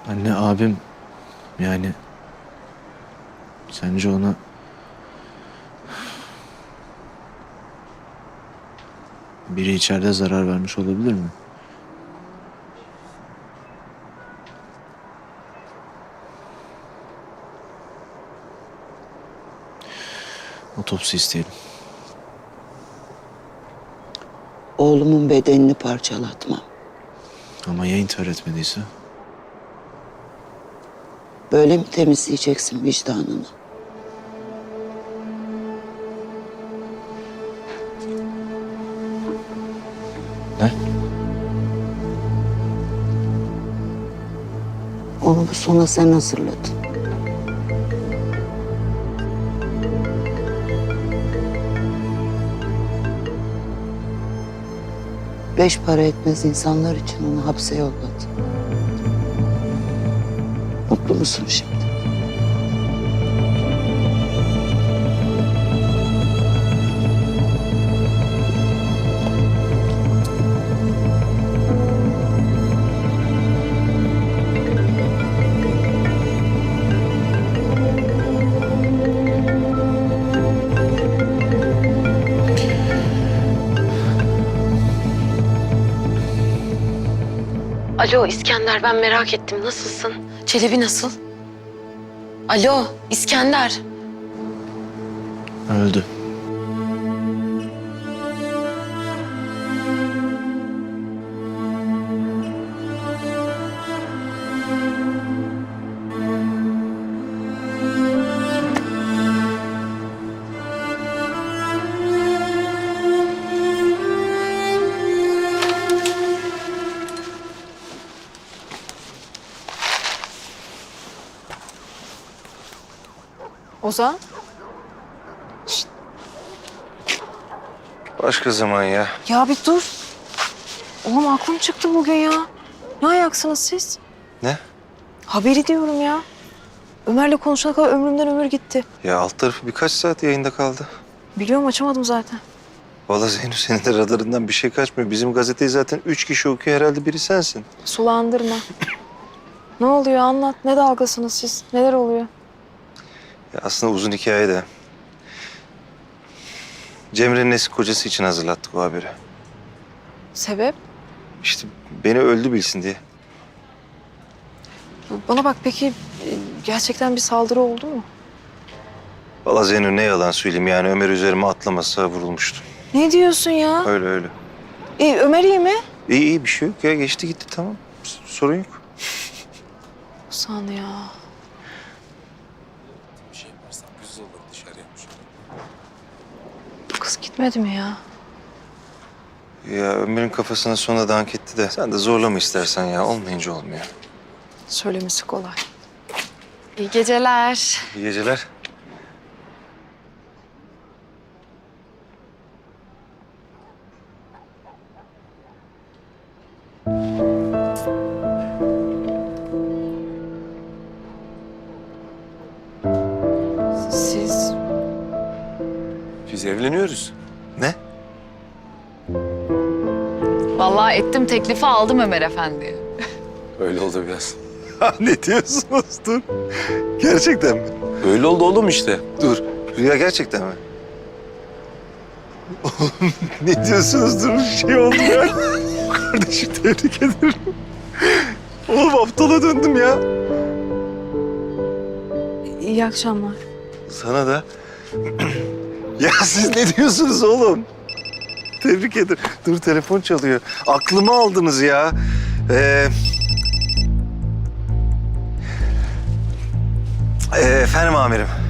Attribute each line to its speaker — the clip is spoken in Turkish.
Speaker 1: Anne abim yani sence ona biri içeride zarar vermiş olabilir mi? Otopsi isteyelim.
Speaker 2: Oğlumun bedenini parçalatmam.
Speaker 1: Ama ya intihar etmediyse?
Speaker 2: Böyle mi temizleyeceksin vicdanını?
Speaker 1: Ne?
Speaker 2: Onu bu sona sen hazırladın. Beş para etmez insanlar için onu hapse yolladın. Mutlu musun şimdi?
Speaker 3: Alo İskender, ben merak ettim. Nasılsın? Çelebi nasıl? Alo İskender.
Speaker 1: Öldü.
Speaker 3: Ozan?
Speaker 4: Başka zaman ya.
Speaker 3: Ya bir dur. Oğlum aklım çıktı bugün ya. Ne ayaksınız siz?
Speaker 4: Ne?
Speaker 3: Haberi diyorum ya. Ömer'le konuşana kadar ömrümden ömür gitti.
Speaker 4: Ya alt tarafı birkaç saat yayında kaldı.
Speaker 3: Biliyorum, açamadım zaten.
Speaker 4: Vallahi Zeyno, senin de radarından bir şey kaçmıyor. Bizim gazeteyi zaten 3 kişi okuyor, herhalde biri sensin.
Speaker 3: Sulandırma. Ne oluyor, anlat. Ne dalgasınız siz? Neler oluyor?
Speaker 4: Ya aslında uzun hikaye de. Cemre'nin eski kocası için hazırlattık o haberi.
Speaker 3: Sebep?
Speaker 4: İşte beni öldü bilsin diye.
Speaker 3: Bana bak, peki gerçekten bir saldırı oldu mu?
Speaker 4: Vallahi Zeyno, ne yalan söyleyeyim, yani Ömer üzerime atlamasa vurulmuştum.
Speaker 3: Ne diyorsun ya?
Speaker 4: Öyle öyle.
Speaker 3: Ömer iyi mi?
Speaker 4: İyi iyi, bir şey yok ya, geçti gitti, tamam. Sorun yok.
Speaker 3: Ozan ya. Bu kız gitmedi mi ya?
Speaker 4: Ya Ömer'in kafasına sonra dank etti de sen de zorlama istersen ya, olmayınca olmuyor.
Speaker 3: Söylemesi kolay. İyi geceler.
Speaker 4: İyi geceler.
Speaker 3: Siz
Speaker 5: Biz evleniyoruz.
Speaker 4: Ne?
Speaker 6: Vallahi ettim, teklifi aldım Ömer Efendi.
Speaker 5: Öyle oldu biraz.
Speaker 4: Ne diyorsunuz? Dur. Gerçekten mi?
Speaker 5: Öyle oldu oğlum işte.
Speaker 4: Dur. Rüya gerçekten mi? Oğlum ne diyorsunuz? Dur, bir şey oldu ya. Kardeşim, tebrik ederim. Oğlum aptala döndüm ya.
Speaker 3: iyi akşamlar.
Speaker 4: Sana da. Ya siz ne diyorsunuz oğlum? Tebrik ederim. Dur, telefon çalıyor. Aklımı aldınız ya. Efendim amirim.